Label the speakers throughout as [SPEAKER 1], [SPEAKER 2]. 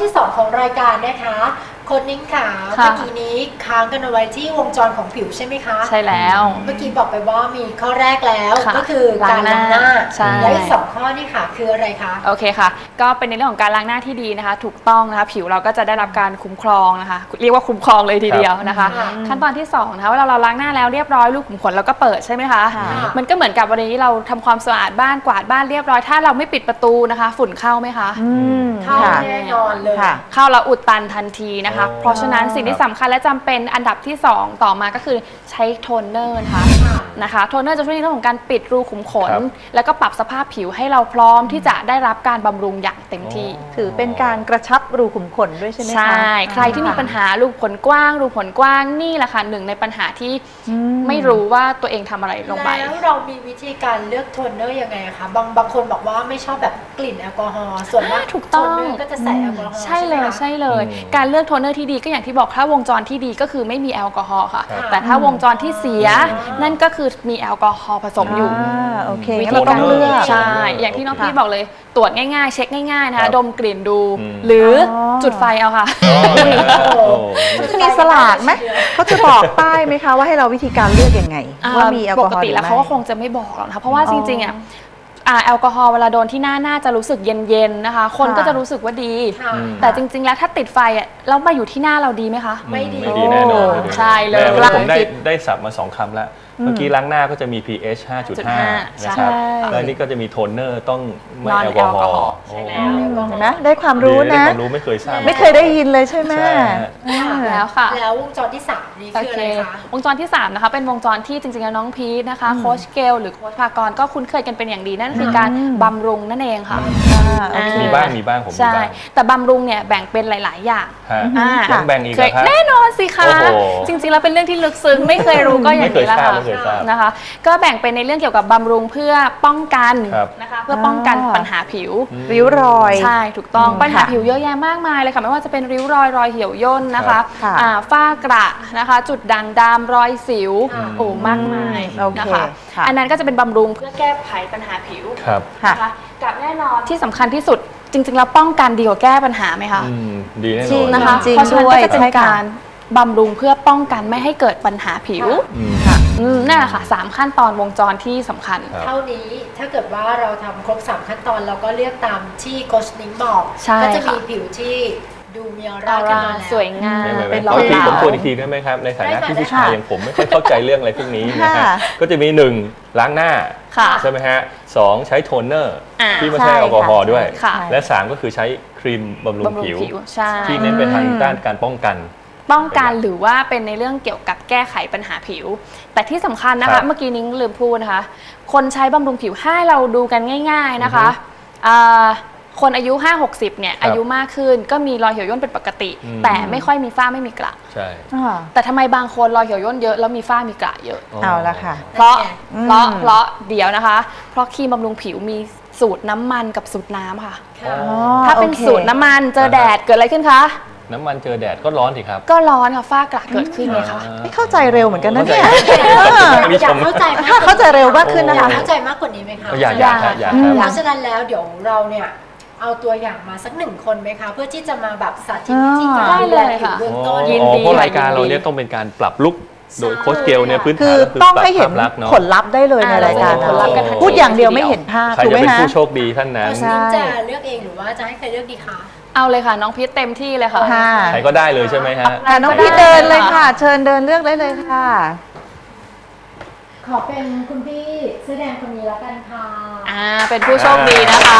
[SPEAKER 1] ที่2ของรายการนะคะคนนิ้งขาเมื่อกี้นี้ค้างกันเอาไว้ที่วงจรของผิวใช่ไหมคะ
[SPEAKER 2] ใช่แล้ว
[SPEAKER 1] เมื่อกี้บอกไปว่ามีข้อแรกแล้วก็คือการล้างหน้าและอีก2ข้อนี่ค่ะคืออะไรคะ
[SPEAKER 2] โอเคค่ะก็เป็นในเรื่องของการล้างหน้าที่ดีนะคะถูกต้องนะคะผิวเราก็จะได้รับการคุ้มครองนะคะเรียกว่าคุ้มครองเลยทีเดียวนะคะขั้นตอนที่2นะคะเวลาเราล้างหน้าแล้วเรียบร้อยลูกขุมขนเราก็เปิดใช่ไหมคะมันก็เหมือนกับวันนี้เราทำความสะอาดบ้านกวาดบ้านเรียบร้อยถ้าเราไม่ปิดประตูนะคะฝุ่นเข้าไหมคะ
[SPEAKER 1] เข้าแน่นอนเลย
[SPEAKER 2] เข้าแล้วอุดตันทันทีนะคะเพราะฉะนั้นสิ่งที่สำคัญและจำเป็นอันดับที่2ต่อมาก็คือใช้โทนเนอร์นะคะโทนเนอร์จะช่วยในเรื่องของการปิดรูขุมขนแล้วก็ปรับสภาพผิวให้เราพร้อมที่จะได้รับการบำรุงอย่างเต็มที่
[SPEAKER 3] ถือเป็นการกระชับรูขุมขนด้วยใช่ไหมคะ
[SPEAKER 2] ใช่ใครที่มีปัญหารูขุมขนกว้างรูขุมขนกว้างนี่แหละค่ะหนึ่งในปัญหาที่ไม่รู้ว่าตัวเองทำอะไรลงไป
[SPEAKER 1] แล้วเรามีวิธีการเลือกโทนเนอร์ยังไงคะบางคนบอกว่าไม่ชอบแบบกลิ่นแอลกอฮอล์ส่วนมาก
[SPEAKER 2] ถูกต้อง
[SPEAKER 1] โทนเนอร์ก็จะใส่แอลกอฮอล์
[SPEAKER 2] ใช่เลยการเลือกโทนเนอร์ที่ดีก็อย่างที่บอกถ้าวงจรที่ดีก็คือไม่มีแอลกอฮอล์ค่ะแต่ถ้าวงจรที่เสียนั่นก็คือมีแอลกอฮอล์ผสมอยู่
[SPEAKER 3] วิธีการเลือก
[SPEAKER 2] ใช่อย่างที่น้องพี่บอกเลยตรวจง่ายๆเช็คง่ายๆนะคะดมกลิ่นดูหรือจุดไฟเอาค่ะ
[SPEAKER 3] มีสลากไหมเขาจะบอกป้ายไหมคะว่าให้เราวิธีการเลือกยังไงว่ามีแอลกอฮอล์
[SPEAKER 2] ปกติแล้วเขาก็คงจะไม่บอกหรอกนะคะเพราะว่าจริงๆแอลกอฮอล์เวลาโดนที่หน้าน่าจะรู้สึกเย็นๆนะคะคนก็จะรู้สึกว่าดีแต่จริงๆแล้วถ้าติดไฟแล้วมาอยู่ที่หน้าเราดีไหมคะ
[SPEAKER 1] ไม่ดี
[SPEAKER 4] แน่นอน
[SPEAKER 2] ใช่เลย
[SPEAKER 4] ผมได้สับมา2 คำแล้วเมื่อกี้ล้างหน้าก็จะมี pH 5.5 นะครับแล้วนี่ก็จะมีโทนเนอร์ต้องไม่แอลกอฮอล์
[SPEAKER 3] เห็นไหมได้ความรู้นะ
[SPEAKER 4] ความรู้ไม่เคยทราบ
[SPEAKER 3] ไม่เคยได้ยินเลยใช่ไหม
[SPEAKER 2] แล้วค่ะ
[SPEAKER 1] แล้ววงจรที่3นี่คืออะไรคะ
[SPEAKER 2] วงจรที่3นะคะเป็นวงจรที่จริงๆแล้วน้องพีทนะคะโค้ชเกลหรือโค้ชภากรก็คุ้นเคยกันเป็นอย่างดีนั่นคือการบำรุงนั่นเองค่ะ
[SPEAKER 4] มีบ้างผม
[SPEAKER 2] ใช่แต่บำรุงเนี่ยแบ่งเป็นหลายๆอย่าง
[SPEAKER 4] ต้องแบ่งอีกครับ
[SPEAKER 2] แน่นอนสิคะจริงๆแล้วเป็นเรื่องที่ลึกซึ้งไม่เคยรู้ก็อย่างนี้แหละค่ะนะคะก็แบ่งเป็นในเรื่องเกี่ยวกับบำรุงเพื่อป้องกันนะคะเพื่อป้องกันปัญหาผิว
[SPEAKER 3] ริ้วรอย
[SPEAKER 2] ใช่ถูกต้องปัญหาผิวเยอะแยะมากมายเลยค่ะไม่ว่าจะเป็นริ้วรอยเหี่ยวย่นนะคะฝ้ากระนะคะจุดด่างดำรอยสิวมากมายนะคะอันนั้นก็จะเป็นบำรุงเพื่อแก้ไขปัญหาผิวนะคะกับแน่นอนที่สำคัญที่สุดจริงๆแล้วป้องกันดีกว่าแก้ปัญหาไหมคะ
[SPEAKER 4] ดีแน่นอน
[SPEAKER 2] นะคะเพราะฉะนั้นก็จะเป็นการบำรุงเพื่อป้องกันไม่ให้เกิดปัญหาผิวนั่นแหละค่ะ3ขั้นตอนวงจรที่สำคัญ
[SPEAKER 1] เท่านี้ถ้าเกิดว่าเราทำครบ3ขั้นตอนเราก็เลือกตามที่โค้ชนิ้งบอกก็จะมีผิวที่ดูมีออร่าขึ้นมา
[SPEAKER 2] สวยงาม
[SPEAKER 4] เป็นร้อยปีผมทวนอีกทีได้ไหมครับในฐานะที่ผู้ชายอย่างผมไม่ค่อยเข้าใจเรื่องอะไรพวกนี้นะฮะก็จะมี1ล้างหน้าใช่ไหมฮะ2ใช้โทนเนอร์ที่ไม่ใช่แอลกอฮอล์ด้วยและ3ก็คือใช้ครีมบำรุงผิวที่เน้นไปทางด้านการป้องกัน
[SPEAKER 2] หรือว่าเป็นในเรื่องเกี่ยวกับแก้ไขปัญหาผิวแต่ที่สำคัญนะคะเมื่อกี้นิ้งลืมพูดนะคะคนใช้บำรุงผิวให้เราดูกันง่ายๆนะคะคนอายุ 5-60 เนี่ยอายุมากขึ้นก็มีรอยเหี่ยวย่นเป็นปกติแต่ไม่ค่อยมีฝ้าไม่มีกระ
[SPEAKER 4] ใช่
[SPEAKER 2] แต่ทำไมบางคนรอยเหี่ยวย่นเยอะแล้วมีฝ้ามีกระเยอะ
[SPEAKER 3] เอาละค่ะ
[SPEAKER 2] เพราะเดี๋ยวนะคะเพราะครีมบำรุงผิวมีสูตรน้ำมันกับสูตรน้ำค่ะถ้าเป็นสูตรน้ำมันเจอแดดเกิดอะไรขึ้นคะ
[SPEAKER 4] น้ำมันเจอแดดก็ร้อนสิครับ
[SPEAKER 2] ก็ร้อนค่ะฝ้ากระเกิดขึ้นไงคะ
[SPEAKER 3] ไม่เข้าใจเร็วเหมือนกันนะเนี่ย
[SPEAKER 1] อยากเข้าใจ
[SPEAKER 3] เข้าใจเร็วมากขึ้นนะคะ
[SPEAKER 1] เข้าใจมากกว่านี้ไหมคะ
[SPEAKER 4] อยาก
[SPEAKER 1] เพราะฉะนั้นแล้วเดี๋ยวเราเนี่ยเอาตัวอย่างมาสัก1 คนไหมคะเพื่อที่จะมาแบบสาธิตวิธีการดูแลผิวเบื้องต้น
[SPEAKER 4] เพราะรายการเราเนี่ยต้องเป็นการปรับลุคโดยโค้ชเกลเนี่ยพื้นฐาน
[SPEAKER 3] คือต้องให้เห็นผลลัพธ์ได้เลยในรายการพูดอย่างเดียวไม่เห็นภาพ
[SPEAKER 4] ใครจะเป็นผู้โชคดีท่านนั้น
[SPEAKER 1] โค้ชนิ้งจะเลือกเองหรือว่าจะให้ใครเลือกดีคะ
[SPEAKER 2] เอาเลยค่ะน้องพีทเต็มที่เลยค่ะ
[SPEAKER 4] ใครก็ได้เลยใช่ไหมฮะ
[SPEAKER 3] น้องพีทเดินเลยค่ะเชิญเดินเลือกได้เลยค่ะ
[SPEAKER 1] ขอเป็นคุณพี่เสื้อแดงคนนี้แล้วกันค่ะ
[SPEAKER 2] เป็นผู้โชคดีนะคะ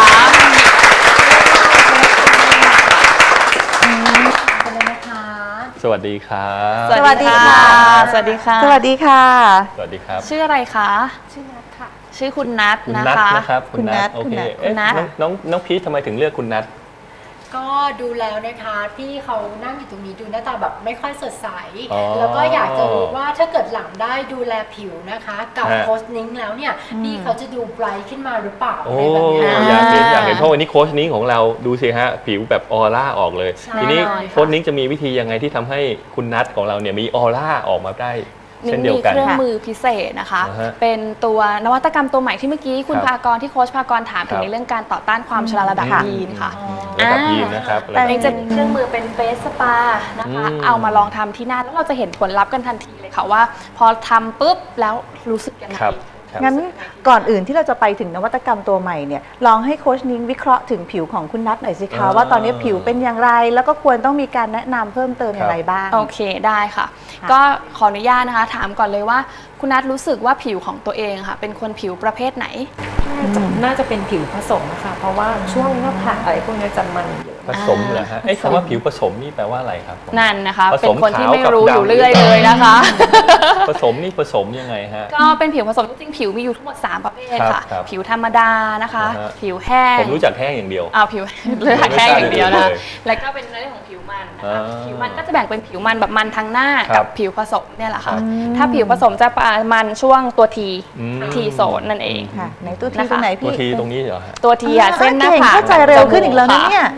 [SPEAKER 4] สวัสดีครับ
[SPEAKER 2] สวัสดีค่ะสวัสดีค่ะ
[SPEAKER 3] สวัสดีค่ะ
[SPEAKER 4] สวัสดีครับ
[SPEAKER 2] ชื่ออะไรคะ
[SPEAKER 1] ชื่อนัทค่ะ
[SPEAKER 2] ชื่อคุณนัทนะคะ
[SPEAKER 4] คุณนัทโอเคน้องพีททำไมถึงเลือกคุณนัท
[SPEAKER 1] ก็ดูแล้วนะคะพี่เขานั่งอยู่ตรงนี้ดูหน้าตาแบบไม่ค่อยสดใสแล้วก็อยากจะรู้ว่าถ้าเกิดหลังได้ดูแลผิวนะคะกับโค้ชนิ้งแล้วเนี่ยพี่เขาจะดูไบรท์ขึ้นมาหรือเปล่าอะไรแบบนี้
[SPEAKER 4] อยากเห็นเพราะวันนี้โค้ชนิ้งของเราดูสิฮะผิวแบบออร่าออกเลยทีนี้โค้ชนิ้งจะมีวิธียังไงที่ทำให้คุณนัทของเราเนี่ยมีออร่าออกมาได้เช่นเดียวกัน
[SPEAKER 2] มีเครื่องมือพิเศษนะคะ เป็นตัวนวัตกรรมตัวใหม่ที่เมื่อกี้คุณภากรที่โค้ชภากรถามถึงในเรื่องการต่อต้านความชราระดับยีนค่ะ
[SPEAKER 4] ระดับยีนนะครับ
[SPEAKER 2] แต่จะมีเครื่องมือเป็นเฟสสปานะคะเอามาลองทำที่หน้าแล้วเราจะเห็นผลลัพธ์กันทันทีเลยค่ะว่าพอทำปุ๊บแล้วรู้สึกยังไง
[SPEAKER 3] งั้นก่อนอื่นที่เราจะไปถึงนวัตกรรมตัวใหม่เนี่ยลองให้โค้ชนิ้งวิเคราะห์ถึงผิวของคุณนัทหน่อยสิคะว่าตอนนี้ผิวเป็นอย่างไรแล้วก็ควรต้องมีการแนะนำเพิ่มเติมอย่างไรบ้าง
[SPEAKER 2] โอเคได้ค่ะก็ขออนุญาตนะคะถามก่อนเลยว่าคุณนัทรู้สึกว่าผิวของตัวเองค่ะเป็นคนผิวประเภทไหน
[SPEAKER 5] น่าจะเป็นผิวผสมนะคะเพราะว่าช่วงหน้าผากอะไรพวกนี้จะมันเยอะ
[SPEAKER 4] ผสมเหรอฮะคำว่าผิวผสมนี่แปลว่าอะไรครับ
[SPEAKER 2] นั่นนะคะเป็นคนที่ไม่รู้อยู่เรื่อยเลยนะคะ
[SPEAKER 4] ผสมนี่ผสมยังไงฮะ
[SPEAKER 2] ก็เป็นผิวผสมจริงๆผิวมีอยู่ทั้งหมด3ประเภทค่ะผิวธรรมดานะคะผิวแห้ง
[SPEAKER 4] ผมรู้จักแห้งอย่างเดียว
[SPEAKER 2] ผิวเลือดแห้งอย่างเดียวนะแล้วก็เป็นเรื่องของผิวมันนะคะผิวมันก็จะแบ่งเป็นผิวมันแบบมันทั้งหน้ากับผิวผสมเนี่ยแหละค่ะถ้าผิวผสมจะมันช่วงตัวทีโซนนั่นเอง
[SPEAKER 3] ค่ะในตัวทีตรงไหนพี่
[SPEAKER 4] ตัวทีตรงนี้เหรอ
[SPEAKER 2] ตัวทีเส้นหน้าผาก
[SPEAKER 3] เข้าใจเร็วขึ้นอีกแล้วนะเนี่ย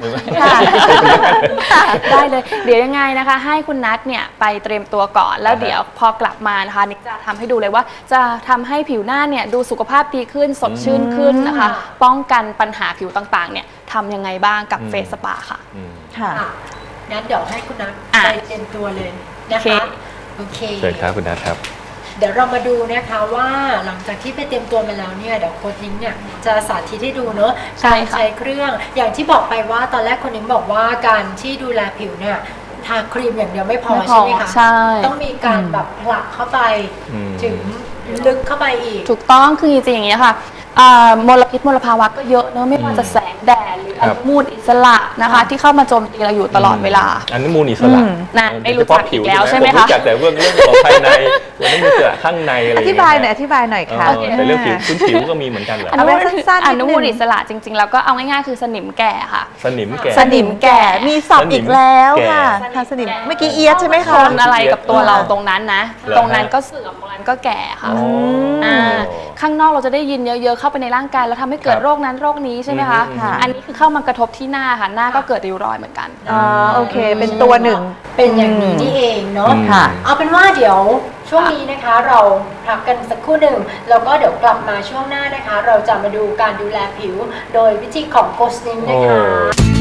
[SPEAKER 2] ได้เลยเดี๋ยวยังไงนะคะให้คุณนัทเนี่ยไปเตรียมตัวก่อนแล้วเดี๋ยวพอกลับมานะคะนิกจะทำให้ดูเลยว่าจะทำให้ผิวหน้าเนี่ยดูสุขภาพดีขึ้นสดชื่นขึ้นนะคะป้องกันปัญหาผิวต่างๆเนี่ยทำยังไงบ้างกับเฟสสปาค่ะ
[SPEAKER 1] ค่ะงั้นเดี๋ยวให้คุณนัทไปเตรียมตัวเลยนะคะโอเค
[SPEAKER 4] เชิญครับคุณนัทครับ
[SPEAKER 1] เดี๋ยวเรามาดูนะคะว่าหลังจากที่ไปเตรียมตัวมาแล้วเนี่ยเดี๋ยวโค้ชนิ้งเนี่ยจะสาธิตให้ดูเนอะการใช้เครื่องอย่างที่บอกไปว่าตอนแรกคนนิ้งบอกว่าการที่ดูแลผิวเนี่ยทาครีมอย่างเดียวไม่พอใช่ไหมคะต้องมีการแบบผลักเข้าไปถึงลึกเข้าไปอีก
[SPEAKER 2] ถูกต้องคือจริงๆอย่างนี้ค่ะมลพิษมลภาวะก็เยอะเนอะไม่ว่าจะแสงแดดหรืออนุมูลอิสระนะคะที่เข้ามาโจมตีเราอยู่ตลอดเวลา
[SPEAKER 4] อนุมูลอิสระ
[SPEAKER 2] นะไม่รู้จักอีกแล้วใช่ไหมคะ
[SPEAKER 4] รู้จักแต่เรื่องของภายในอนุมูลอิสระข้างในอะไร
[SPEAKER 3] อธิบายหน่อยค่ะ
[SPEAKER 4] แต่เรื่องผิวก็มีเหมือนกันเหรอ
[SPEAKER 2] อนุมูลอิสระจริงๆแล้วก็เอาง่ายๆคือสนิมแก่ค่ะ
[SPEAKER 4] สนิม
[SPEAKER 3] แก่มีศัพท์อีกแล้วค่ะสนิมเมื่อกี้เอียดใช่ไหมคะ
[SPEAKER 2] คนอะไรกับตัวเราตรงนั้นนะตรงนั้นก็เสื่อมตรงนั้นก็แก่ค่ะข้างนอกเราจะได้ยินเยอะๆเข้าไปในร่างกายแล้วทำให้เกิดโรคนั้นโรคนี้ใช่ไหมคะอันนี้คือเข้ามากระทบที่หน้าค่ะหน้าก็เกิดริ้วรอยเหมือนกัน
[SPEAKER 3] โอเคเป็นตัวหนึ่ง
[SPEAKER 1] เป็นอย่างนี้นี่เองเนาะเอาเป็นว่าเดี๋ยวช่วงนี้นะคะเราพักกันสักครู่หนึ่งแล้วก็เดี๋ยวกลับมาช่วงหน้านะคะเราจะมาดูการดูแลผิวโดยวิธีของโค้ชนิ้งนะคะ